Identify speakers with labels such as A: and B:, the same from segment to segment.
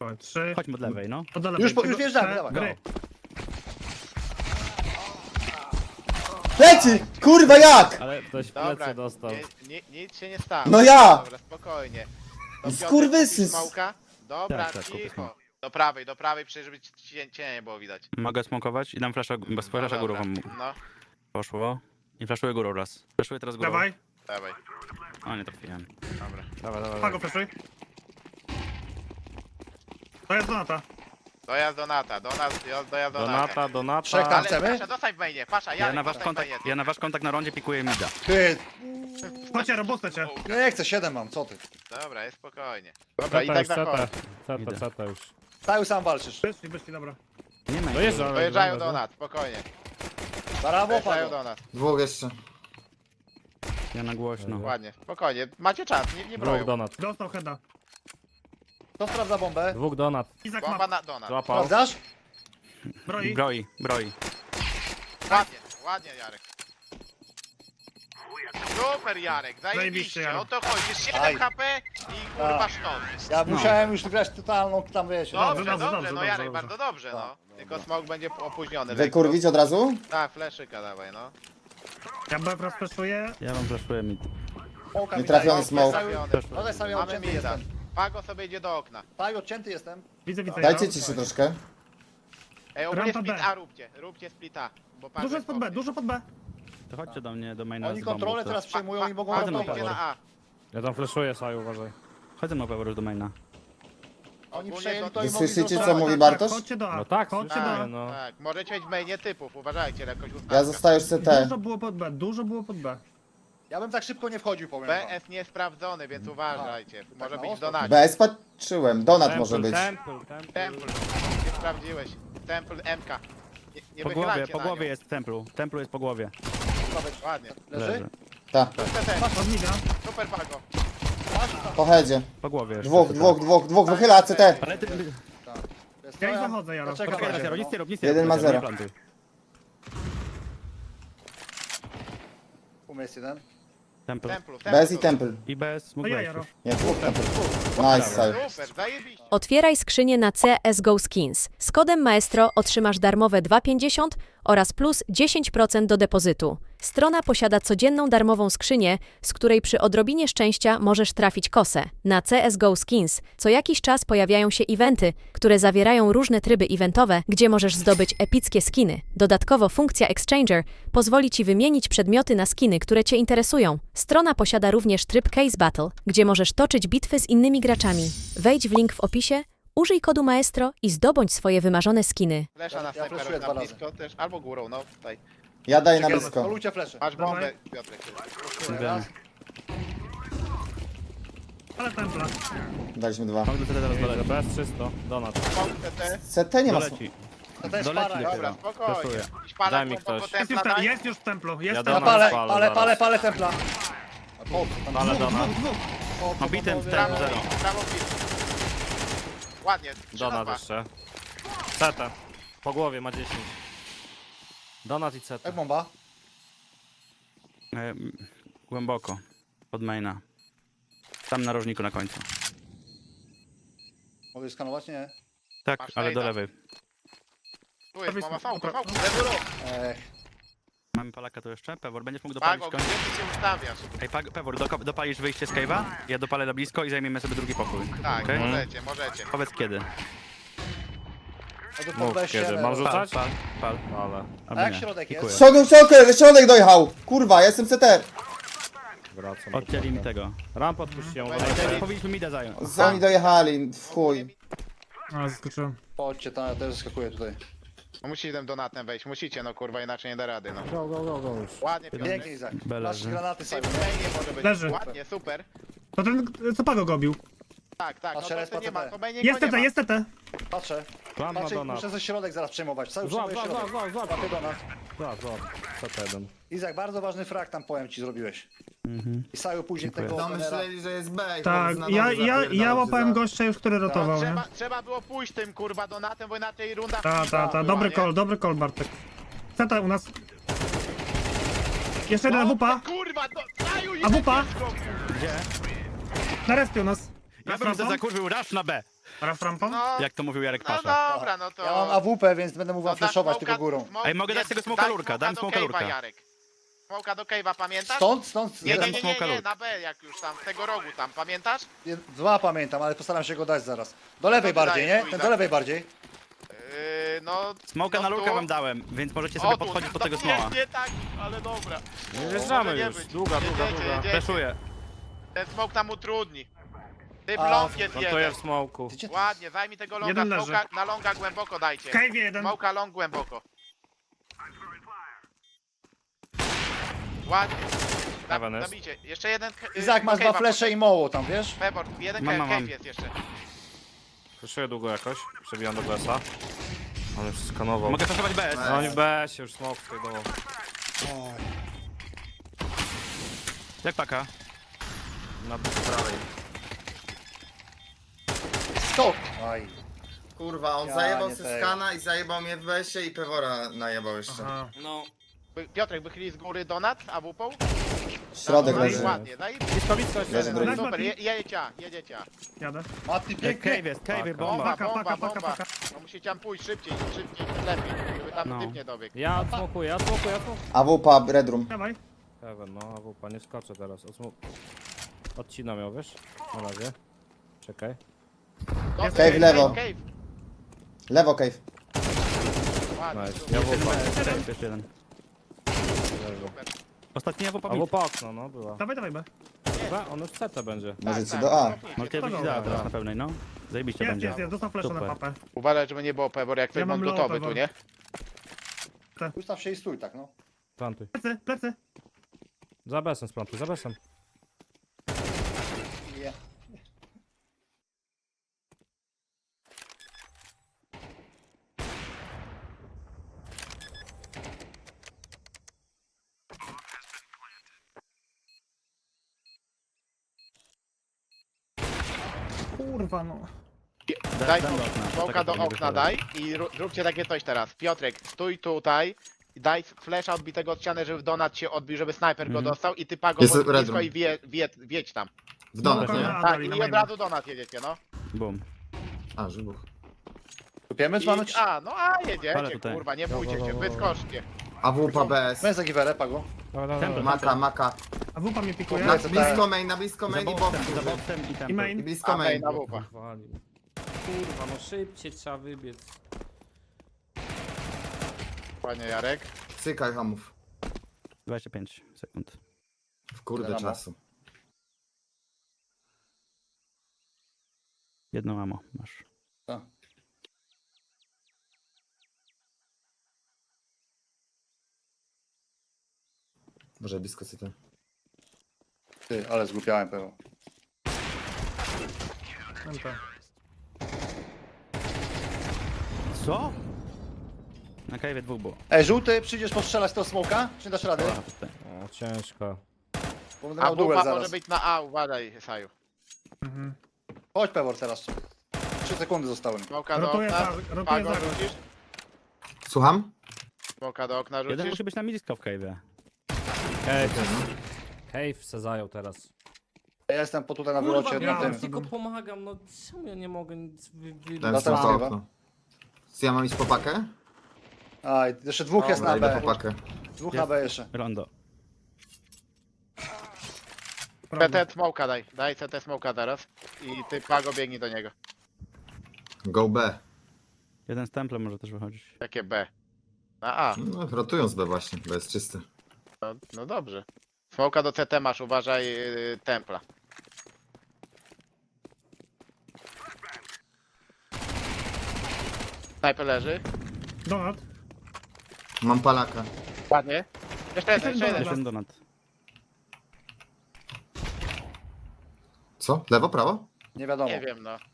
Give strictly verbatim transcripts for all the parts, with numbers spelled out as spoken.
A: Chodź, trzy.
B: Chodźmy od lewej, no.
A: Od lewej.
C: Już po-
A: Tego-
C: już wjeżdżamy,
A: te-
C: dawaj.
A: gry.
D: Leci! Kurwa jak?
E: Ale ktoś w
F: Dobra,
E: plecy dostał.
F: nie, nie, nic się nie stało.
D: No ja!
F: Dobra, spokojnie. To Piotrek,
D: Skurwysyn.
F: kupisz Smoka? Dobra,
B: Tak, tak, kupię
F: cicho.
B: smoka.
F: Do prawej, do prawej, przecież żeby cię, cię nie było widać.
B: Mogę smokować i dam flasza, bez flasza
F: No
B: górą
F: dobra.
B: wam
F: No,
B: poszło. I flaszuję górą raz. Flaszuję teraz górą.
A: Dawaj.
F: dawaj,
B: O, nie trafiłem.
F: dobra.
E: Dawaj, dawaj.
A: Pago, fleszuj. To jest Donata.
F: Dojazd do Nata, do nas, dojazd do Nata.
E: Donata, Donata.
C: Trzech tam.
F: Ale
C: chcemy?
F: Pasza, dostaj w mainie, Pasza,
B: Ja
F: ja
B: na wasz
F: dostaj w
B: kontakt,
F: mainie.
B: ja na wasz kontakt na rondzie pikuję mida.
C: Ty,
A: Chodźcie, robustę cię.
C: no nie chcę, siedem mam, co ty?
F: Dobra, jest spokojnie. Dobra, i
E: Ceta
F: tak
E: już,
F: na
E: ceta.
F: koniec.
B: Idę.
E: Ceta, ceta już.
C: Cały sam walczysz.
A: Wyszli, wyszli, dobra.
B: Nie ma.
E: Dojeżdża.
F: Dojeżdżają do nas, spokojnie.
C: Brawo,
F: Dojeżdżają
C: Pago.
F: do nas,
D: Dwóch jeszcze.
B: Ja na głośno.
F: ładnie, spokojnie. Macie czas, nie, nie
E: Dwóch
F: broją.
E: donat.
A: Dostał heada.
C: Kto sprawdza bombę?
E: Dwóch donat.
A: Izak
F: Bomba
A: ma.
F: na, do nas.
E: Złapał.
C: Sprawdzasz?
A: Broi.
B: Broi, broi.
F: Ładnie, ładnie Jarek. Super Jarek,
A: Zajebiście,
F: zajebiście,
A: Jarek.
F: o to chodzi, jest
C: Aj.
F: siedem H P i kurwa
C: Tak.
F: sztos.
C: Ja
B: No.
C: musiałem już grać totalną, tam wiecie.
F: Dobrze,
A: dobrze,
F: dobrze,
A: dobrze,
F: no
A: dobrze,
F: Jarek,
A: dobrze.
F: bardzo dobrze, no.
C: Tak.
F: Tylko smok będzie opóźniony.
D: Wykurwić od razu?
F: Tak, fleszyka dawaj, no.
A: Ja B raz fleszuję.
B: Ja wam flaszuję mid.
C: Smoka
D: Nie
C: mi
D: trafiony
C: daje.
D: smoke.
F: Trafiony.
C: No tak sam ja
F: Mamy
C: odcięty
F: mida.
C: jestem.
F: Pago sobie idzie do okna.
C: Tak, odcięty jestem.
A: Widzę, widzę.
D: Dajcie
A: ja.
D: ciszy troszkę.
F: Ej, ogólnie
A: Rampa
F: split
A: B.
F: A róbcie, róbcie split A. Bo Pago
A: Dużo jest pod B,
F: oknie.
A: dużo pod B.
B: To chodźcie do mnie, do maina
C: Oni
B: z bombą,
C: kontrolę
B: to-
C: teraz przejmują i mogą
F: Pago
B: na
C: ratować.
F: idzie na A.
E: Ja tam flashuję, Saju, uważaj.
B: Chodź na pewno już do maina.
C: Oni
F: Ogólnie
C: przejęli
F: to-
C: to i
D: Wy
C: mogli
D: słyszycie, co
C: zostawać.
D: mówi
A: Tak,
D: Bartosz?
A: Chodźcie do A.
E: No tak,
A: Chodźcie do
E: słyszymy,
A: A.
E: no.
F: Tak, możecie mieć w mainie typów, uważajcie, jakoś ustawka.
D: Ja zostaję już C T.
A: Dużo było pod B, dużo było pod B.
C: Ja bym tak szybko nie wchodził, powiem wam.
F: B S nie sprawdzony, więc uważajcie. Może
C: Tak,
F: być
C: no,
F: w donacie.
D: B S patrzyłem, Donat
E: Temple,
D: może być.
E: Temple, temple.
F: Temple, nie sprawdziłeś. Temple M K. Nie, nie
B: Po głowie,
F: wychylajcie
B: po
F: na
B: głowie
F: nią.
B: jest w templu. Templu jest po głowie.
F: Ładnie.
C: Leży?
D: Ta,
A: Od mida.
F: Super Pago.
D: po headzie.
B: Po głowie jeszcze.
D: Dwóch, dwóch, dwóch, dwóch, wychyla C T.
B: Ale ty...
C: Wiesz co,
A: Ja ich zachodzę, Jaro.
C: Poczekam
B: Poczekaj,
C: na
B: zero,
C: ciebie,
B: nic nie
C: no.
B: rób, nic nie
D: Jeden
B: rób.
D: ma
B: Zero,
D: zero.
B: nie plantuj.
C: Umysł jeden.
B: Temple.
F: Templu,
D: B S i
F: Templu.
D: Temple.
B: I bez
A: To
B: mógł
A: ja,
B: wejść
A: Jaro.
B: już.
D: Nie, dwóch Temple. Nice, save.
F: Super, zajebiście.
G: Otwieraj skrzynię na C S G O Skins. Z kodem Maestro otrzymasz darmowe dwa pięćdziesiąt oraz plus dziesięć procent do depozytu. Strona posiada codzienną darmową skrzynię, z której przy odrobinie szczęścia możesz trafić kosę. Na C S G O Skins co jakiś czas pojawiają się eventy, które zawierają różne tryby eventowe, gdzie możesz zdobyć epickie skiny. Dodatkowo funkcja Exchanger pozwoli Ci wymienić przedmioty na skiny, które Cię interesują. Strona posiada również tryb Case Battle, gdzie możesz toczyć bitwy z innymi graczami. Wejdź w link w opisie, użyj kodu Maestro i zdobądź swoje wymarzone skiny.
F: Flesza na
C: Ja
F: snajperów
C: fleszuję
F: na
C: dwa razy.
F: blisko też, albo górą, no tutaj.
D: Ja daję na
C: Czekaj,
D: blisko.
C: Polujcie flesze.
F: Masz
A: Dawaj.
F: bombę, Piotrek.
C: Raz.
A: Ale templa.
D: Daliśmy dwa.
B: Mogę do teraz
E: Idę,
B: dolecieć.
E: bez czysto, donat.
F: Smok C T.
D: C T nie ma.
B: Doleci.
C: To jest
B: Doleci
C: para.
B: dopiero.
F: Dobra, spokojnie.
B: Flashuję.
F: Szpala,
E: Daj mi
F: bomba,
E: ktoś.
F: po
A: Jest już,
F: templa,
A: te,
F: daj.
A: jest już w templu, jest
E: Ja
A: templu.
C: Ja
E: dam.
C: palę,
E: Spalę
C: palę,
E: zaraz.
C: palę, palę templa. A po, tam
E: Ale
C: dwóch,
E: donat.
C: dwóch, dwóch. Po, po,
B: Obitym
C: po,
B: w
F: Prawo
B: Zero.
F: pil, prawo pil. Ładnie, trzy na
E: Donat
F: dwa.
E: jeszcze. Ceta. Po głowie ma dziesięć. Donat i ceta.
C: Jak bomba?
B: E, głęboko. Pod maina. Tam na rożniku na końcu.
C: Mogę skanować? Nie.
B: Tak,
F: Masz
B: ale do
F: nejda.
B: lewej.
F: Tu jest, mama, fałka,
A: Dobra.
F: fałka, lewy ruch.
C: Ech,
B: Mamy Palaka tu jeszcze. Pewor, będziesz mógł dopalić
F: Pago,
B: koń.
F: gdzie ty się ustawiasz?
B: Ej, Pag- Pewor, do, dopalisz wyjście z cave'a, ja dopalę na blisko i zajmiemy sobie drugi pokój.
F: Tak,
B: Okej?
F: możecie, możecie.
B: Powiedz kiedy.
C: a to
E: Mów
C: podejście,
E: kiedy.
C: ale-
E: Mam
B: Pal,
E: rzucać?
B: pal, pal.
E: Ale.
B: Albo
C: A jak
B: nie.
C: środek jest?
B: Dziękuję.
D: Środek, środek, środek dojechał! Kurwa, ja jestem C T.
E: Wracam.
B: Odcięli mi tego.
E: Ramp odpuściłem,
F: Ej,
E: uważajcie.
F: ej,
B: Powinniśmy mida zająć.
D: Oni dojechali, w chuj.
A: A, zaskoczyłem.
C: Chodźcie, tam ja też skakuję tutaj.
F: No musicie tym donatem wejść, musicie, no kurwa, inaczej nie da rady, no.
E: Go, go, go, go już.
F: Ładnie, Piotr.
C: Pięknie, Izak.
B: B
C: Masz
B: leży.
C: granaty sobie.
F: Simon nie może być.
A: Leży.
F: Ładnie, super.
A: To ten, co Pago go bił.
F: Tak, tak, no
C: Patrzę,
F: to,
C: res
F: to nie
C: po
F: ma,
C: C T.
F: to będzie
A: Jest
F: nie
A: T T,
F: ma.
A: jest T T.
C: Patrzę.
E: Plan na
C: Patrzę,
E: donat.
C: muszę ze środek zaraz przejmować. Cały
E: Złap,
C: przyjmuję
E: złap,
C: środek.
E: złap, złap, złap.
C: Łapię donat.
E: Złap, złap. Ceta jeden.
C: Izak, bardzo ważny frag tam powiem ci zrobiłeś. I Saju później
B: Dziękuję.
C: tego
D: No
C: trenera.
D: myśleli, że jest B. i
A: Tak,
D: na
A: ja,
D: nowo
A: ja,
D: zapierdalał
A: ja
D: się
A: łapałem
D: za-
A: gościa już, który rotował, nie?
F: Trzeba, trzeba było pójść tym kurwa donatem, bo inaczej runda
A: Ta, ta, ta,
F: była,
A: dobry
F: nie?
A: call, dobry call, Bartek. C T u nas. Jeszcze jeden A W P,
F: Kurwa, do... Daju,
A: A W P?
F: Gdzie?
A: na respie u nas.
B: Ja bym to zakurzył raz na B.
A: Raz rampą?
F: No,
B: Jak to mówił Jarek
F: no
B: Pasza.
F: dobra, no to...
C: Ja mam A W P, więc będę mógł wam
F: no, dasz
C: flashować
F: smoka-
C: tylko górą.
F: smoke-
B: Ej, mogę dać
F: nie,
B: tego smoka
F: daj
B: lurka,
F: smoka
B: dam
F: do
B: smoka
F: cave'a,
B: lurka.
F: Jarek. Smoka do cave'a, pamiętasz?
C: Stąd, stąd,
F: Nie, nie,
B: Jeden
F: nie, nie,
B: smoka
F: nie,
B: lur.
F: na B jak już tam, z tego rogu tam, pamiętasz?
C: dwa pamiętam, ale postaram się go dać zaraz. Do lewej
F: No to
C: bardziej,
F: dajesz
C: nie?
F: tu i
C: Ten
F: tak.
C: do lewej bardziej.
F: Yy, no...
B: Smoka
F: no
B: na
F: tu.
B: lurkę wam dałem, więc możecie
F: O,
B: sobie
F: tu.
B: podchodzić po
F: No
B: tego
F: nie,
B: smoła.
F: Nie tak, ale dobra.
E: Nie wjeżdżamy
F: Może nie
E: już.
F: być.
E: Długa, długa,
F: Jedziecie,
E: długa.
F: jedziecie.
B: Fleszuję.
F: Ten smok nam utrudni. Ty
C: A,
F: blok jest
E: Plantuję
F: jeden.
E: w smoku.
C: Gdzie ty?
F: Ładnie, zajmij tego longa,
A: Jeden leży.
F: smoka, na longa głęboko dajcie.
A: Cave jeden.
F: Smoka long głęboko. Ładnie. Na,
E: Heaven jest.
F: Zabijcie. Jeszcze jeden... yy,
C: Izak, masz
F: cave'a
C: dwa flesze i moło tam, wiesz?
F: Pebor, jeden
B: Mam,
F: cave,
B: mam,
F: cave
B: mam.
F: jest jeszcze.
E: Flashuję długo jakoś. Przebijam do B S a. On już skanował.
B: Mogę flashować B S.
E: No oni w B S już smoke skajdował.
B: Jak paka?
E: Na prawej.
C: Stop! Aj.
D: Kurwa, on
C: Ja
D: zajebał
C: nie
D: se
C: tego.
D: skana i zajebał mnie w besie i Pewora najebał jeszcze.
A: Aha.
E: No.
F: By- Piotrek, wychyli z góry donat, a wupą?
D: Środek
F: No i
D: leży.
F: ładnie, no i
E: Blisko, blisko jeszcze.
D: Leży drugi.
F: super, je, jedziecie, jedziecie.
A: Jadę.
C: Mati,
B: Ej,
C: pięknie.
B: Cave jest, cave,
E: Paka.
B: bomba.
F: Bomba,
A: Paka,
F: bomba,
A: paka, paka,
F: bomba.
A: paka.
F: No musicie tam pójść szybciej, szybciej, lepiej, żeby tam
B: No.
F: typ nie dobiegł.
E: Ja odsmokuję, ja odsmokuję, ja odsmokuję.
D: A W P, Red Room.
A: Dawaj.
E: Heaven, no, a wupa, nie skoczę teraz. Odsmok... Odcinam ją, wiesz? Na razie. Czekaj.
F: No,
D: Cave lewo.
F: Cave,
D: Lewo cave.
F: ładnie,
E: Nice.
F: super.
E: Ja
B: Jeden
E: wupa.
B: B S, cave, jeszcze jeden.
E: Leży.
B: Ostatnia w
E: A
B: opamit.
E: wupa okno, no, była.
A: Dawaj, dawaj, B.
E: Chyba on już C T będzie.
D: Możecie
F: tak,
D: do A.
F: cofnijcie.
B: Możecie być
A: Dobra.
B: da teraz na pełnej, no. Zajebiście
A: Jest,
B: będzie.
A: jest, jest. Dostał flasha na
B: Super.
A: papę.
F: Uważaj, żeby nie było Pebor, jak
A: Ja
F: ktoś
A: mam
F: mam
A: low
F: gotowy tu,
A: Pebor.
F: nie?
C: Ustaw się i stój, tak no.
E: Plantuj.
A: Plecy, plecy.
E: Za besem splantuj, za besem.
C: Nie.
A: Kurwa, no.
F: Daj
B: dam do okna.
F: smoka
B: Tak
F: do
B: jak nie
F: okna
B: wychodzi.
F: daj i ru- zróbcie takie coś teraz. Piotrek, stój tutaj. i Daj flesza odbitego od ściany, żeby donat się odbił, żeby snajper go
B: Mhm.
F: dostał i ty pago
D: Jest
F: pod
D: red
F: blisko
D: room.
F: i wie, wie, wiedź tam.
D: W domek,
A: No,
D: nie?
A: A,
F: Tak,
A: dali na
F: i od
A: maina.
F: razu donat jedziecie, no.
B: Boom.
D: A, żybuch.
C: Kupiemy, czy mamy...
F: I, a, no a
B: Ale
F: jedziecie,
B: tutaj.
F: kurwa, nie bójcie się, wyskoczcie.
D: A W P, B S.
C: Weź za giwerę, pago.
E: Dobra, dobra,
B: Temple.
E: dobra.
D: Maka, maka.
A: A wupa mnie pikuje.
D: Na
C: Tak.
D: blisko main, na blisko
B: Za
D: main i
B: boksem,
D: box.
B: za boksem i
A: I
B: temple.
D: I
A: main.
D: blisko
F: A
D: main.
F: na wupa.
E: Walił. Kurwa, no szybciej trzeba wybiec.
F: Panie Jarek.
D: Cykaj hamów.
B: dwadzieścia pięć sekund.
D: W kurde
C: Dobra.
D: czasu.
B: Jedno mamo masz.
C: Tak.
D: Może blisko cyta.
C: Ty, ale zgłupiałem pewno.
A: M P.
B: Co? Na kajwie dwóch było.
C: Ej, żółty, przyjdziesz postrzelać tego smoka? Czy dasz radę?
B: Dobra, tutaj.
E: O, ciężko.
C: Bo będę
F: A
C: miał duel
F: wupa może
C: zaraz.
F: być na A, uważaj, Saju.
A: Mhm.
C: Chodź, Pewor, teraz. Trzy sekundy zostały.
F: Smoka do
A: Rotuję
F: okna,
A: za- rotuję
F: pago
A: za-
F: rzucisz?
D: Słucham?
F: Smoka do okna
B: Jeden
F: rzucisz?
B: musi być na blisko w cave'ie.
E: Cave jest. Cave se zajął teraz.
C: Ja jestem po tutaj na
E: Kurwa,
C: wylocie,
A: ja
C: na
E: ja
C: tym.
E: tylko pomagam, no czemu ja nie mogę nic wy... wy...
D: Dałem
C: Dostał
D: smoka
C: chyba.
D: okno. Co ja mam iść po pakę?
C: A, i jeszcze dwóch jest na
D: Dobra, idę
C: B.
D: po pakę.
C: Dwóch na B jeszcze.
B: Rondo.
A: Prawda.
F: C T smoka daj, daj C T smoka teraz. I ty pago biegnij do niego.
D: Go B.
B: Jeden z temple może też wychodzić.
F: Jakie B? Na A.
D: No, rotują z B właśnie, bo jest czysty.
F: No, no dobrze. Smoka do C T masz, uważaj yy, templa. Snajper leży.
A: Donat.
D: Mam palaka.
F: Ładnie. Jeszcze jeden, jeszcze jeden.
B: Jeszcze jeden donat.
D: Co? Lewo, prawo?
C: Nie wiadomo.
F: Nie wiem no.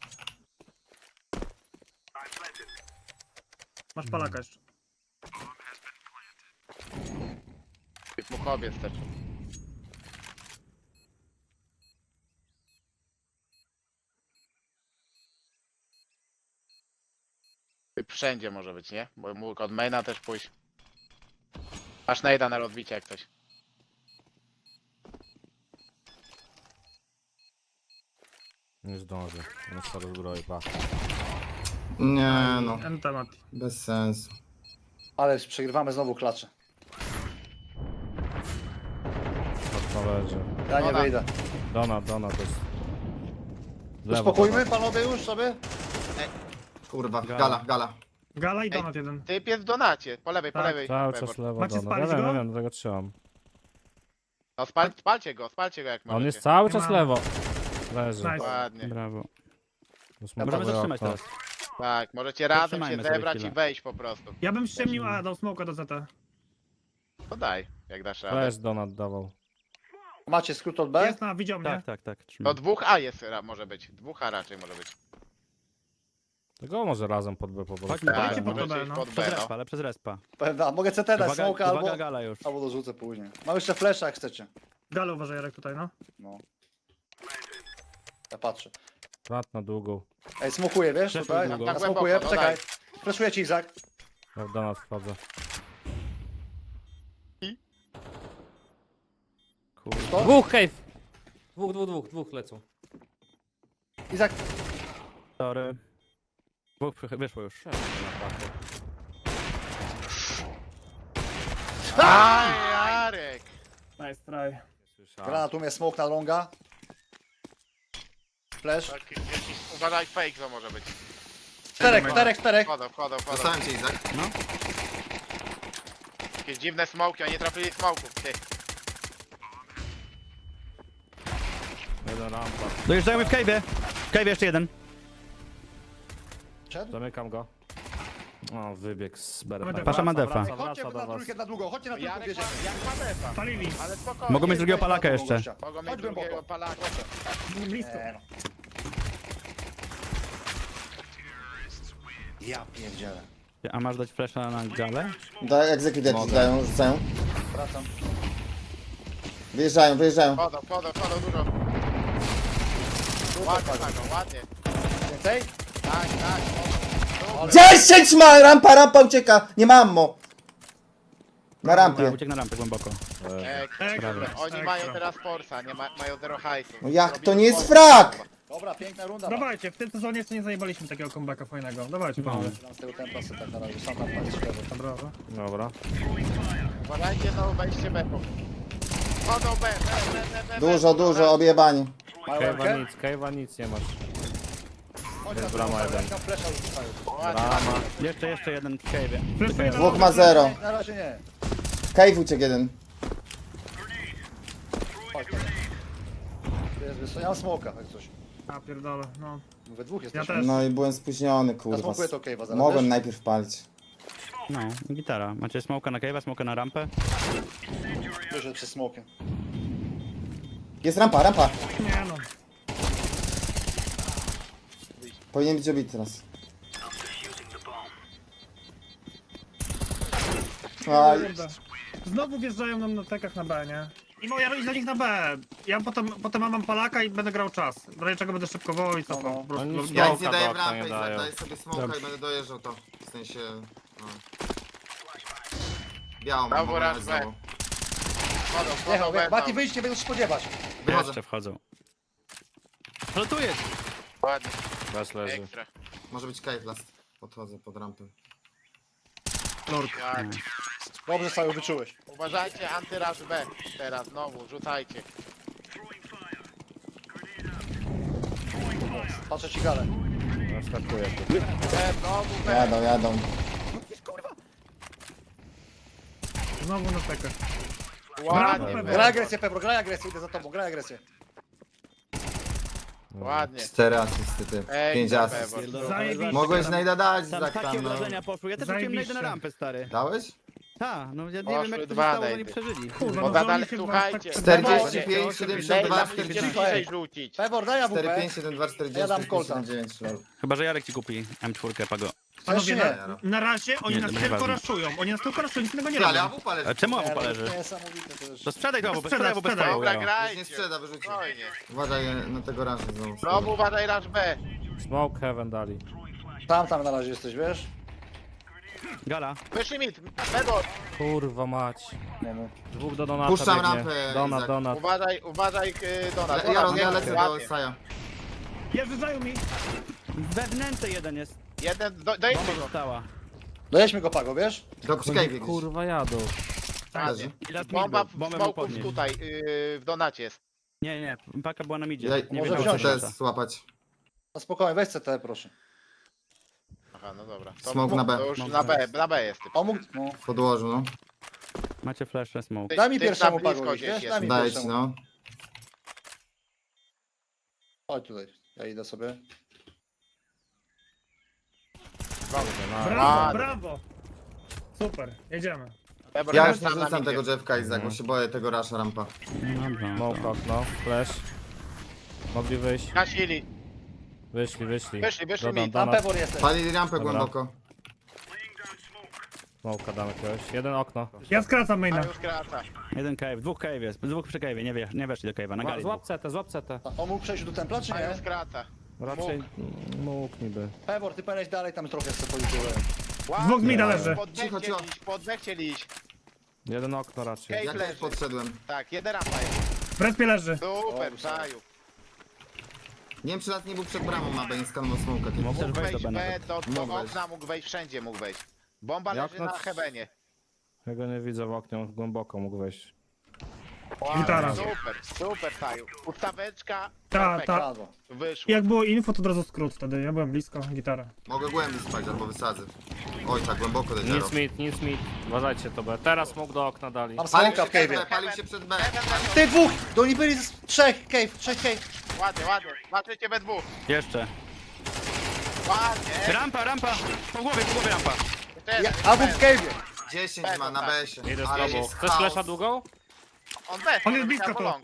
A: Masz palaka jeszcze.
F: Typ mu kobiec też. Typ wszędzie może być, nie? Bo mógł od maina też pójść. Masz najda na rozbicie jak coś.
E: Nie zdąży. On stary zbroi, pa.
D: Nie no,
A: Enta Mati.
D: bez sensu.
C: Ale przegrywamy znowu klacze.
E: To leży.
C: Ja nie
F: Ona.
C: wyjdę.
E: Donat, donat to jest... Lewo,
C: Uspokójmy
E: donat.
C: panowie już sobie.
D: Kurwa,
B: Gala.
D: gala, gala.
A: Gala i donat jeden.
F: Typ jest w donacie, po lewej, po
A: Tak,
F: lewej.
E: Cały
F: Pebor.
E: czas lewo
A: Macie
E: donat. Ja
A: spalić
E: wiem,
A: go?
E: ja wiem, dlatego trzymam.
F: No spal, spalcie go, spalcie go jak
E: On
F: możecie.
E: jest cały
A: Nie
E: czas
A: mam.
E: lewo. Leży.
A: Nice.
F: Ładnie.
B: Brawo.
E: Zasmokowuję
B: Możemy zatrzymać
E: okno.
B: teraz.
F: Tak, możecie razem się
B: Zatrzymajmy sobie
F: zebrać
B: chwilę.
F: i wejść po prostu.
A: Ja bym ściemnił, a dał smoka do zeta.
F: To daj, jak dasz radę.
E: Flash donat dawał.
C: Macie skrót od B?
A: Jest na, widział mnie.
B: Tak, tak, tak.
F: To
B: Trzymaj.
F: dwóch A jest, ra- może być. Dwóch A raczej może być.
E: Tego może razem pod B po prostu.
B: Chodźmy,
F: Tak,
A: Dajcie
B: no.
A: pod to
F: możecie
A: B,
F: iść
A: no.
F: pod B,
B: Przez
F: no.
B: respa, ale przez respa.
C: A mogę C T dać,
B: Uwaga,
C: smoka albo...
B: uwaga gala już.
C: Albo dorzucę później. Mam jeszcze flasha jak chcecie.
A: Galę uważaj Jarek tutaj, no.
C: No. Ja patrzę.
E: Prat na długą.
C: Ej, smokuję, wiesz,
B: Przeszło
C: tutaj?
B: długo.
C: Ja
F: Tak
C: smokuję,
F: głęboko, no
C: czekaj.
F: daj.
C: Flashuję ci, Izak.
E: Ja w donat wchodzę.
B: Kurde.
C: To?
E: Dwóch cave! Dwóch, dwóch, dwóch, dwóch lecą.
C: Izak,
B: Sorry. Dwóch przy- wyszło już.
F: Aj, Jarek!
A: Nice try.
C: granat umie smoke na longa. Flash.
F: Tak, jakiś, uważaj, fake to może być.
C: Czterech, czterech, czterech.
F: Wchodzą, wchodzą, wchodzą.
D: Dostałem cię, Izak.
F: Jakieś dziwne smoki, oni nie trafili smoków. Ty.
E: Jeden rampa.
B: Dojeżdżają mi w cave'ie. W cave'ie jeszcze jeden.
C: Szedł?
E: Zamykam go. O, wybieg z berem.
A: Pasza
E: Wraca,
B: ma defa.
E: wraca,
C: Chodźcie
E: wraca
C: na
E: do was.
C: trójkę na długo, chodźcie na trójkę,
F: Jarek
C: bierzemy.
F: ma, jak ma defa.
A: Palili.
F: Ale spokojnie.
B: Mogą mieć drugiego
C: Wejdź na
B: palaka
C: drugą
B: jeszcze.
C: gościa.
F: Mogą mieć
C: Chodź
F: drugiego
C: głęboko.
F: palaka.
A: Blisko.
C: Nie, no. Ja pierdzielę.
B: A masz dać flasha na galę?
D: Daj, egzekucja
E: Mogę.
D: dają, rzucają.
C: Wracam.
D: Wyjeżdżają, wyjeżdżają.
F: Wchodzą, wchodzą, wchodzą dużo. Ładnie, tak, ładnie.
C: Więcej?
F: Tak, tak, wchodzą.
D: dziesięć ma! Rampa, rampa ucieka! Nie mam mo! Na rampie.
B: Uciekł na rampę głęboko.
F: Ekstra.
A: Ekstra.
F: Oni
A: Ekstra.
F: mają teraz forsa, nie ma, mają zero hajsu.
D: No jak
F: Robimy
D: to nie jest
F: forsa.
D: frak?
C: Dobra, piękna runda.
A: Dawajcie, w tym sezonie jeszcze nie zajebaliśmy takiego comebacka fajnego. Dawajcie,
B: No.
A: panowie.
C: Mam z tego tempa sobie tak na razie, sam tam patrzę.
A: Dobra.
E: Dobra.
F: Uważajcie, znowu wejście B. Wchodzą B, B, B, B, B.
D: Dużo, dużo, objebani.
C: Mają
E: Cave'a
C: rękę?
E: nic, cave'a nic nie masz.
C: Chodź na
E: Jest
C: drugą,
E: brama jeden.
C: tam flesza rzucają.
F: Ładnie.
E: Brama.
B: Jeszcze, jeszcze jeden w cave'ie.
A: Flashuję
D: Dwóch ma zero.
C: Na razie nie.
D: Cave uciekł jeden.
C: Chodź tam. Tu jest wysoko. Ja mam smoka, jak coś.
A: A pierdolę, no.
C: We dwóch
A: Ja
C: jesteśmy.
A: też.
D: No i byłem spóźniony,
C: Ja
D: kurwa.
C: smokuję to cave'a zaraz,
D: Mogłem
C: wiesz?
D: najpierw palić.
B: No, gitara. Macie smoka na cave'a, smoka na rampę.
C: Wyszedł przez smokiem.
D: Jest rampa, rampa.
A: Nie no.
D: Powinien być obity teraz. Aj,
A: Kurde. Znowu wjeżdżają nam na tekach na B, nie? I moja iść za nich na B. Ja potem, potem mam palaka i będę grał czas. W razie czego będę szybkował i cofał.
C: No, no.
A: Po prostu.
E: Oni
A: do-
E: nic
D: ja
A: do-
D: nic nie
E: Smoka
D: daję
E: do
D: w
E: okna
D: rampę
E: nie
D: i
E: dają.
D: daję sobie smoka
B: Dobrze.
D: i będę dojeżdżał to. W sensie... No. Białą mam,
F: Brawo,
D: mogę nawet
F: raz,
D: znowu.
F: Wchodzą, wchodzą
C: Jechał,
F: B.
C: Mati
F: tam.
C: wyjść, nie będę się spodziewać.
D: Wychodzę.
B: Jeszcze wchodzą. Ale tu jest!
F: Ładnie,
E: Bez leży.
F: ekstra.
D: Może być cave last. Podchodzę pod rampę.
A: Lord.
F: Ładnie.
C: Dobrze, Saju, wyczułeś.
F: Uważajcie, antyraż B. Teraz znowu, rzucajcie.
C: Patrzę ci galę.
E: Naskakuję tu.
F: B, znowu B.
D: Jadą, jadą.
A: Znowu na tekach.
F: Ładnie,
A: Brawo,
F: B.
C: Graj agresję, Pebro, graj agresję, idę za tobą, graj agresję.
F: Ładnie.
D: Cztery asysty, ty.
F: Ej,
D: Pięć
F: dobra,
D: asyst.
F: Pewor.
A: Zajebiście.
D: Mogłeś najda dać,
B: Tam
D: Zak,
B: takie
D: tam, no.
B: obrażenia poszły. Ja też rzuciłem
A: Zajebiście.
B: najdę na rampę, stary.
D: Dałeś?
B: Tak, no ja nie
F: Poszły
B: wiem jak to się
F: dwa
B: stało, że oni
F: najdy.
B: przeżyli.
A: Kurwa,
F: Bo
A: no
F: zadali,
A: że oni się
F: słuchajcie.
A: tak-
D: czterdzieści pięć,
F: Lejla
D: siedemdziesiąt dwa,
F: musicie
D: czterdzieści
F: bliżej
D: sześć.
F: rzucić.
C: Pebor, daj
D: cztery
C: A W
D: pięć,
C: P.
D: siedem dwa,
C: Ja
D: czterdzieści,
C: dam kolca.
D: siedem dziewięć, lol.
B: Chyba, że Jarek ci kupi M cztery Pago.
A: Panowie,
C: nie?
A: na, na razie oni
B: Nie,
A: nas
B: to
A: tylko
B: nieważne.
A: raszują. Oni nas tylko raszują, nic innego nie
D: Ty, ale
A: robią.
D: A W P leży.
B: A czemu
C: Nie,
B: abu
C: no,
B: leży?
C: Niesamowite to już.
B: To sprzedaj to, bo
A: Sprzedaj,
B: sprzedaj, bo bez
A: sprzedaj.
B: pału.
F: Dobra,
B: ja.
D: Nie
F: grajcie.
D: sprzeda, wyrzucił.
F: Spokojnie.
D: Uważaj na tego rasza znowu.
F: Znowu uważaj raż B.
E: Smoke heaven dali.
C: Tam, tam na razie jesteś, wiesz?
B: Gala.
F: Wyszli mit. Pedor.
E: Kurwa mać.
C: Nie, no.
E: Dwóch do donata
D: Puszczam
E: biegnie.
D: rampę,
E: Donat,
D: Izak.
E: donat.
F: Uważaj, uważaj yy, Donat.
D: Le- Jaron,
F: Donat,
D: ja
F: nie,
D: lecę do
F: ładnie.
D: Saja.
A: Jeżdżają mi.
B: We wnęce jeden jest.
F: Jeden, do, dojedźmy
B: Bomba
F: go.
B: została.
C: Dojedźmy go, Pago, wiesz?
D: Do przy cave gdzieś.
E: Kurwa jadą.
F: Ładnie.
B: I last
F: Bomba
B: mid
F: w
B: był. Bombę mógł
F: smoków
B: podnieść.
F: tutaj, yy, w donacie jest.
B: Nie, nie, paka była na midzie.
D: Ja,
B: nie
C: może
B: wiedział,
C: wziąć
B: co
D: muszę
B: to.
D: też złapać.
C: No spokojnie, weź C T, proszę.
F: Aha, no dobra. To,
D: Smoke na B.
F: To już
B: Smoke
F: na
B: na
F: B, na B jest typ.
C: O, mógł... No.
D: W podłożu, no.
B: Macie flash, smoke.
F: Ty-
C: Daj mi
F: ty
C: pierwszemu
F: na blisko
C: Pago,
F: gdzieś
C: wiesz?
F: jest.
C: Daj mi
D: Daję ci,
C: pierwszemu.
D: no.
C: Chodź tutaj, ja idę sobie.
A: Brawo,
F: Ładnie.
A: brawo. Super, jedziemy.
F: Ebor
D: Ja
F: jest
D: już nie
F: tam na
D: rzucam
F: midzie.
D: tego Jeffka, Izak, bo się boję tego rasza rampa.
B: Dobra.
E: Smoke okno, flash. Mogli wyjść.
F: Gasili.
E: Wyszli, wyszli.
F: Wyszli, wyszli
E: Dodam
F: mi.
C: Tam
E: donat.
C: Pewor jesteś.
D: Palili rampę
E: Dobra.
D: głęboko.
E: Smoke'a dam jakiegoś. Jeden okno.
A: Ja skracam
F: A
A: maina.
F: już kraca.
B: Jeden cave, dwóch cave jest, dwóch przy cave, nie, wie, nie weszli do cave'a, na
E: Zła-
B: gali.
E: Złap C T, złap C T.
C: On mógł przejść do templa, czy
F: A już
C: nie?
F: kraca.
E: Raczej mógł niby.
C: Pewor, ty powinieneś dalej tam trochę sobie policzyłem.
A: Dwóch mida leży.
F: Pod B
D: Cicho,
F: chcieli
D: cicho.
F: iść, pod B chcieli iść.
E: Jeden okno raczej.
F: Ej,
D: Jak
F: leży.
D: też podszedłem.
F: Tak, jeden rampa jest.
A: W respie leży.
F: Super,
C: Dobrze.
F: Saju.
D: Nie wiem, czy raz nie był przed bramą na B, nie skanował smoka.
B: Mógł też
F: Mógł
B: wejść do
F: wejść
B: B
F: B,
B: nawet.
F: do, do
D: Mógł wejść.
F: okna mógł wejść, wszędzie mógł wejść. Bomba
E: Jak
F: leży
E: na-
F: na hebenie.
E: Ja go nie widzę w oknie, on głęboko mógł wejść.
A: Gitara.
F: Super, super, Saju. Ustaweczka,
A: Ta,
F: perfekt.
A: ta.
C: Brawo.
F: Wyszło.
A: Jak było info, to od razu skrót wtedy. Ja byłem blisko, gitara.
D: Mogę głębiej spać, albo wysadzę. Oj, tak głęboko do zero.
E: Nic mit, nic mit. Uważajcie to B. Teraz mógł do okna dali.
C: Mam
D: Palił
C: smoka
D: się
C: w
D: przed B,
C: cave'ie.
D: palił się przed B.
F: Heaven leży.
C: Ty dwóch! Do oni byli z trzech, cave, trzech cave.
F: Ładnie, ładnie. Zobaczycie we dwóch.
B: Jeszcze.
F: Ładnie.
B: Rampa, rampa! Po głowie, po głowie rampa.
F: Jeszcze jeden.
C: Ja, a był w cave'ie.
D: dziesięć ma na B się.
E: Idę z
D: Ale
E: tobą.
D: jest
E: Chcesz
D: chaos.
E: flesza długą?
F: On też.
A: On jest
F: może
A: blisko
F: być
A: tu.
F: long.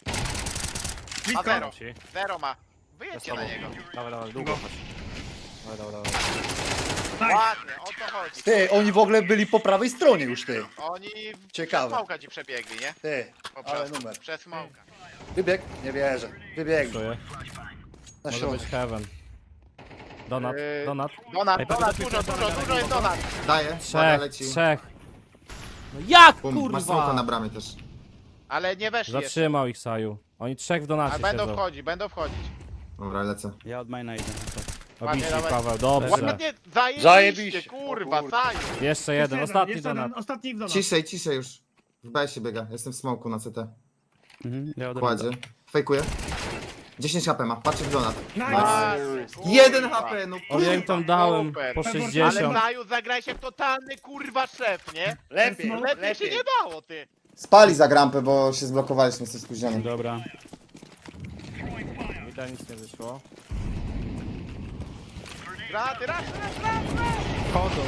A: Blisko.
F: A zero.
E: Ci.
F: Zero ma.
E: Ja z
F: Wyjedźcie
E: tobą.
F: na niego.
E: Dawaj, dawaj, długo chodź. Dawaj, dawaj, dawaj.
A: Tak.
F: Ładnie, o to chodzi.
C: Ty, oni w ogóle byli po prawej stronie już, ty.
F: Oni
C: Ciekawe.
F: przez smoka ci przebiegli, nie?
C: Ty,
F: Po
C: ale
F: prostu.
C: numer.
F: Przez smoka.
C: Wybieg? Nie wierzę. Wybieg.
E: Czuję.
C: Na
E: Może
C: środek.
E: być heaven. Donat,
F: Yy,
E: donat.
F: Donat,
B: Ej,
F: donat,
B: patrz,
F: dużo,
B: patrz,
F: dużo,
B: patrz,
F: dużo jest donat.
D: Daję, woda
E: Trzech,
D: leci.
E: trzech. No jak
D: Bum, masz smoka na
E: kurwa?
D: bramie też.
F: Ale nie weszli jeszcze.
E: Zatrzymał ich Saju. Oni trzech w donacie
F: A będą
E: siedzą.
F: wchodzić, będą wchodzić.
D: Dobra, lecę.
B: Ja od maina idę.
E: Obici
F: dawaj.
E: Paweł, dobrze.
F: Ładnie, zajebiście,
C: Zajebiście.
F: kurwa,
C: O kurwa.
F: Saju.
E: Jeszcze jeden, ostatni
A: jeszcze
E: donat.
A: jeden, ostatni w donat.
D: Ciszej, ciszej już. W B się biega, jestem w smoku na C T.
B: Mhm, ja od
D: Kładzie. Fejkuję. dziesięć H P ma, patrzę w donat.
A: Nice.
F: Ładnie, kurwa.
D: jeden H P, no
E: O, ja im tam dałem
F: Super.
E: po
F: Ale
E: sześćdziesiąt.
F: Saju, zagraj się w totalny kurwa szef, nie?
C: Lepiej,
F: Lepiej się
C: lepiej.
F: nie dało, ty.
D: Spali za grampę, bo się zblokowaliśmy, jesteś spóźniony.
B: Dobra.
E: Mi tam nic nie wyszło.
F: Graty, raz, raz, raz.
B: Chodzą.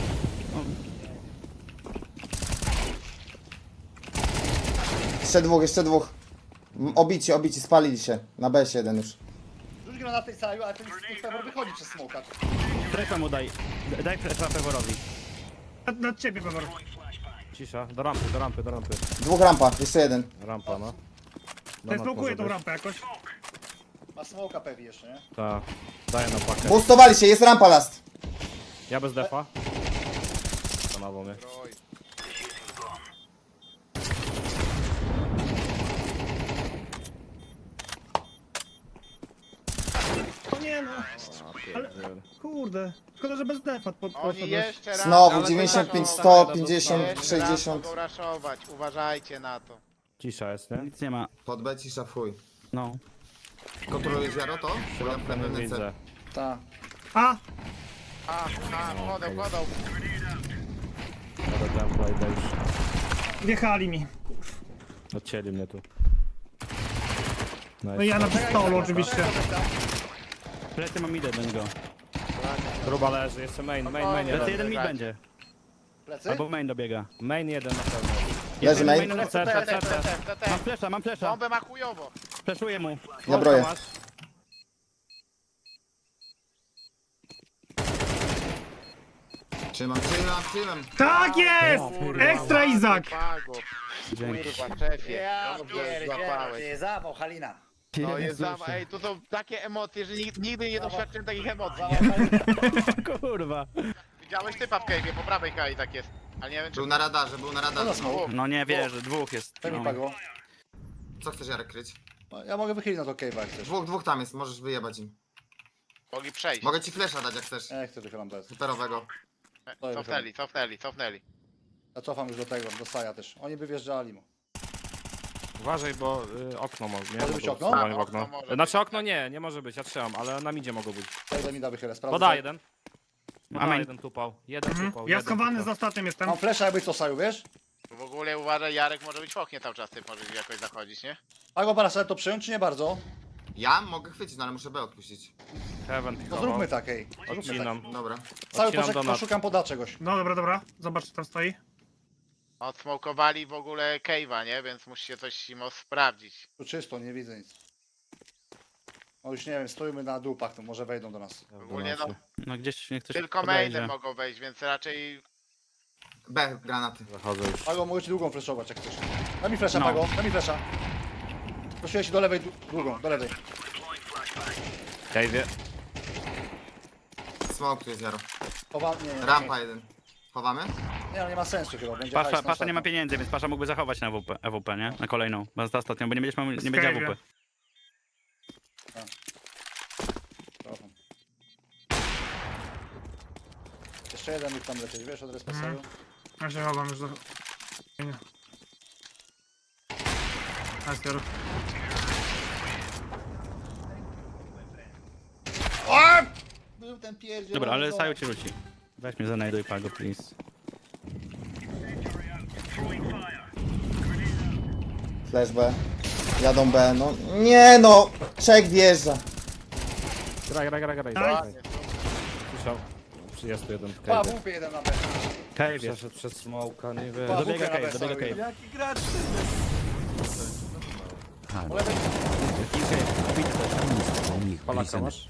D: Jeszcze dwóch, jeszcze dwóch. M, Obici, obici, spalili się. Na B się jeden już.
C: Rzuć go na tej sali, ale ten Pewor wychodzi przez smoka.
B: Strefa mu daj. D- Daj flasha Peworowi.
A: Nad, nad ciebie, Pewor.
E: Cisza, do rampy, do rampy, do rampy.
D: Dwóch rampa, jeszcze jeden.
E: Rampa, no.
A: Tutaj smokuję tą rampę jakoś.
C: Ma smoka pewnie jeszcze, nie?
E: Tak, daję na pakę.
D: Boostowali się, jest rampa last.
E: Ja bez defa. Zamawiał mnie.
F: Oj.
A: O nie no. Ale, kurde. Szkoda, że bez defa pod,
F: Oni
A: poszedłeś.
F: jeszcze raz.
D: Znowu
F: ale
D: dziewięćdziesiąt pięć,
F: to
D: sto,
F: raszować.
D: pięćdziesiąt,
F: Jeszcze raz
D: sześćdziesiąt.
F: mogą raszować, uważajcie na to.
E: Cisza jest, nie?
B: Nic nie ma.
D: Pod B cisza w chuj.
B: No.
D: Kontrolujesz Jaro to? Bo ja w
E: Środka nie
D: pewnym
E: widzę.
C: Tak.
A: A,
F: A, a, chodzą, chodzą.
E: Ale templa idę już.
A: wjechali mi.
E: Odcięli mnie tu.
A: No i ja na pistolu oczywiście.
B: Plecy mam idę do niego.
E: Gruba leży, jeszcze main, main, main
B: Plecy
E: jeden.
B: jeden mid będzie.
C: Plecy?
B: Albo main dobiega.
E: Main jeden na pewno.
D: Leży main.
B: main.
E: C, C, C, C.
B: Mam flesza, mam flesza.
F: Bombę ma chujowo.
B: Fleszuję mu.
D: Ja broję.
E: Masz?
D: Trzymam, trzymam, trzymam.
A: Tak jest! Ekstra Izak!
F: Pago.
B: Dzięki.
F: Kurwa, szefie. Dobrze złapałeś.
C: zawał Halina.
F: No jest zawa, ej, tu są takie emocje, że nigdy, nigdy nie doświadczyłem takich emocji, nie?
B: Kurwa.
F: Widziałeś typa w cave'ie, po prawej hali tak jest. Ale nie wiem czy...
D: Był na radarze, był na
C: No na
D: radarze.
C: smoke.
B: No nie wierzę, dwóch jest.
C: Daj mi
B: No.
C: Pago.
D: Co chcesz Jarek kryć?
C: No, ja mogę wychylić na to cave'a jak chcesz.
D: Dwóch, dwóch tam jest, możesz wyjebać im.
F: Mogli przejść.
D: Mogę ci flesza dać jak chcesz.
C: Nie chcę wychylam bez.
D: Superowego.
F: E, Cofnęli, cofnęli, cofnęli.
C: Ja cofam już do tego, do Saja też. Oni by wjeżdżali mu.
E: Uważaj, bo y, okno mo- nie
C: Może być
E: mogą
C: okno?
E: strzelać w
F: A, okno
E: okno.
F: może
E: Znaczy
F: być,
E: okno nie, nie może być, ja trzymam, ale na midzie mogą być.
C: Daj mi da wychylę, sprawdzę.
E: Poda jeden. Poda
B: Amen.
E: jeden tupał. Jeden
A: Mhm.
E: tupał.
A: Ja
E: jeden
A: schowany
E: tupał.
A: z ostatnim jestem.
C: Mam flesza jakbyś to Saju, wiesz?
F: W ogóle uważaj, Jarek może być w oknie cały czas, ty możesz jakoś zachodzić, nie?
C: A go parasol to przyjąć, czy nie bardzo?
D: Ja mogę chwycić, no ale muszę B odpuścić.
E: Heaven
C: To
E: pikował.
C: zróbmy tak, ej. Zróbmy tak.
E: Odcinam.
D: Dobra.
C: Cały
E: Odcinam
C: poczek,
E: donat.
C: poszukam poda czegoś.
A: No dobra, dobra. Zobacz, co tam stoi.
F: Odsmokowali w ogóle cave'a, nie? Więc musicie coś im sprawdzić.
C: Tu czysto, nie widzę nic. No już nie wiem, stoimy na dupach, to może wejdą do nas.
F: Ogólnie no,
B: No gdzieś niech ktoś
F: tylko
B: podejdzie.
F: mainem mogą wejść, więc raczej
D: B, granaty.
E: Zachodzę już.
C: Pago, mogę ci długą fleszować jak chcesz. Daj mi flesza,
B: No.
C: Pago, daj mi flesza. Prosiłeś ci do lewej, dłu- długą, do lewej.
E: Cave'ie.
D: Smoke tu jest Jaro.
C: Chowa... Nie, nie,
D: Rampa jeden. Chowamy?
C: nie, no nie ma sensu chyba, będzie
B: Pasza,
C: hajs na
B: pasza nie ma
C: ostatnią.
B: pieniędzy, więc Pasza mógłby zachować na E W P, E W P, nie? Na kolejną. Bo za ostatnią, bo nie będziesz miał, nie będzie
A: Skype.
B: A W P.
C: Cofam. Jeszcze jeden mógł tam lecieć, wiesz, od responsaju?
A: Mhm. Ja się chowam już do... Nie. Nice, Jaro.
C: Był ten pierdziel.
B: Dobra, ale Saju ci rzuci. Weź mnie zanajduj Pago, please.
D: Flash B. Jadą B, no. Nie no! Czek wjeżdża.
E: Graj, graj, graj, graj.
A: Daj.
E: graj. Słyszał. Jest tu jeden w
C: Pa,
E: cave'ie.
C: W P jeden na B.
B: Cave jest.
E: Przeszedł przez smoka, nie wiem.
C: Pa,
B: Dobiega
C: W P na
B: cave,
C: B,
B: dobiega
C: Saju.
B: cave.
E: Jaki gracz?
C: Po lewej.
E: Polaka masz?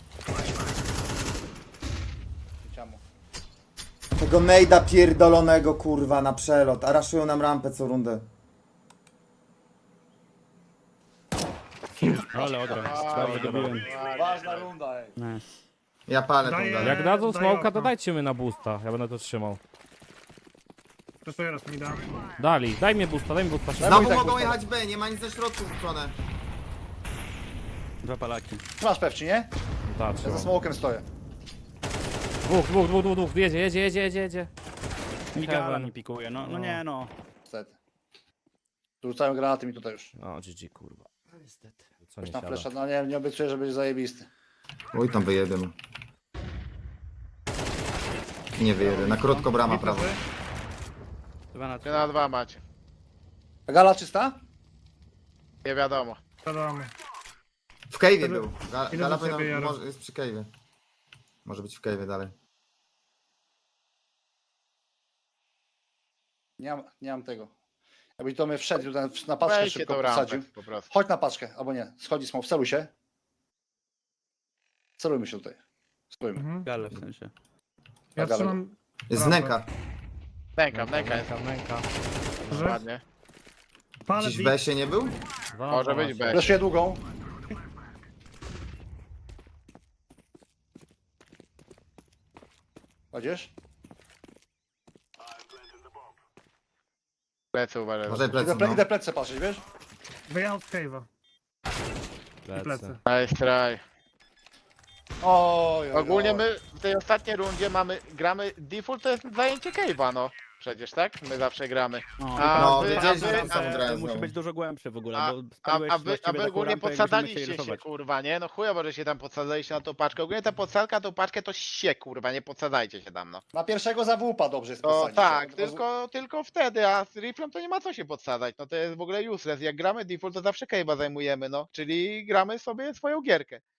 C: Ciamo.
D: Tego nejda pierdolonego kurwa na przelot. A raszują nam rampę co rundę.
B: Ale odra. Dobrze dobiłem.
C: Ważna runda, ej.
B: Nice.
D: Ja palę tą
A: Daję-
D: dalej.
E: Jak dadzą
A: Daj
E: smoka,
A: okno.
E: to dajcie mnie na boosta. Ja będę to trzymał.
A: Proszę raz mi da.
E: Dali, daj mi boosta, daj mi boosta. szybko.
D: Znowu
C: tak
D: mogą
C: ustawię.
D: jechać B, nie ma nic ze środku wrzucone.
B: Dwa palaki.
C: Masz pewnie, nie?
E: Tak,
C: Ja
E: trzymam.
C: za smokiem stoję.
E: Dwóch, dwóch, dwóch, dwóch, dwóch. Jedzie, jedzie, jedzie, jedzie, jedzie.
B: Migala
E: Heaven.
B: mi pikuje, no, no
E: No.
B: nie no.
C: Niestety. Tu rzucają granaty mi tutaj już.
E: O, G G, kurwa. Niestety. Co nie
C: Już tam
E: siada.
C: flesza, no nie, nie obiecuję, że będzie zajebisty.
D: Oj tam wyjedę no. Nie wyjedę, na krótko brama prawo.
B: Dwa na
F: trzy na dwa macie.
C: A gala czysta?
F: Nie wiadomo.
A: Wiadomo.
D: W cave'ie był. Ga-
A: Idę
D: Gala
A: do ciebie,
D: powinna,
A: Jaro.
D: może, jest przy cave'ie. Może być w cave'ie dalej.
C: Nie mam, nie mam tego. Jakbyś do mnie wszedł tutaj na paczkę
F: Weźcie
C: szybko
F: tą rampę
C: posadził.
F: po prostu.
C: Chodź na paczkę, albo nie. Schodzi smoke, celuj się. Celujmy się tutaj. Stójmy.
A: Mhm.
B: Gale w sensie.
A: Ja
C: Dobra.
A: trzymam...
D: Jest
A: Rampę.
D: nęka.
F: Nęka, nęka jest.
E: Nęka, nęka.
A: Że?
F: Ładnie.
A: Palę
D: Gdzieś w
A: B.
D: B się nie był?
E: Dwa na
F: Może
E: dwa
F: być
E: macie.
F: B.
C: Fleszuję długą. Kładziesz?
F: Plecy uważaj.
D: Może
C: Idę,
D: plecy,
C: ple,
D: no.
C: idę plecy patrzeć, wiesz?
A: Wyjechał z cave'a.
E: Plecy.
A: Plecy.
F: Nice try.
C: Oj, oj,
F: Ogólnie
C: oj.
F: my w tej ostatniej rundzie mamy, gramy, default to jest zajęcie cave'a, no. Przecież, tak? My zawsze gramy.
B: No,
F: A
D: No,
F: wy, a
D: wiedziałeś, że
F: wy,
D: tam samą
F: a,
D: grę
B: to musi
D: znowu.
B: być dużo głębsze w ogóle,
F: a,
B: bo
F: a,
B: spadłeś
F: a, wy, a
B: właściwie
F: wy
B: taką
F: ogólnie
B: rampę, jakbyśmy musieli
F: podsadzaliście się,
B: rysować.
F: kurwa, nie? No chujowo, że się tam podsadzaliście na tą paczkę. Ogólnie ta podsadka, tą paczkę to się, kurwa, nie podsadzajcie się tam, no.
C: Na pierwszego zawłupa dobrze jest
F: To
C: posadzić.
F: tak,
C: Od razu-
F: tylko, tylko wtedy, a z riflem to nie ma co się podsadzać, no to jest w ogóle useless. Jak gramy default, to zawsze cave'a zajmujemy, no. Czyli gramy sobie swoją gierkę.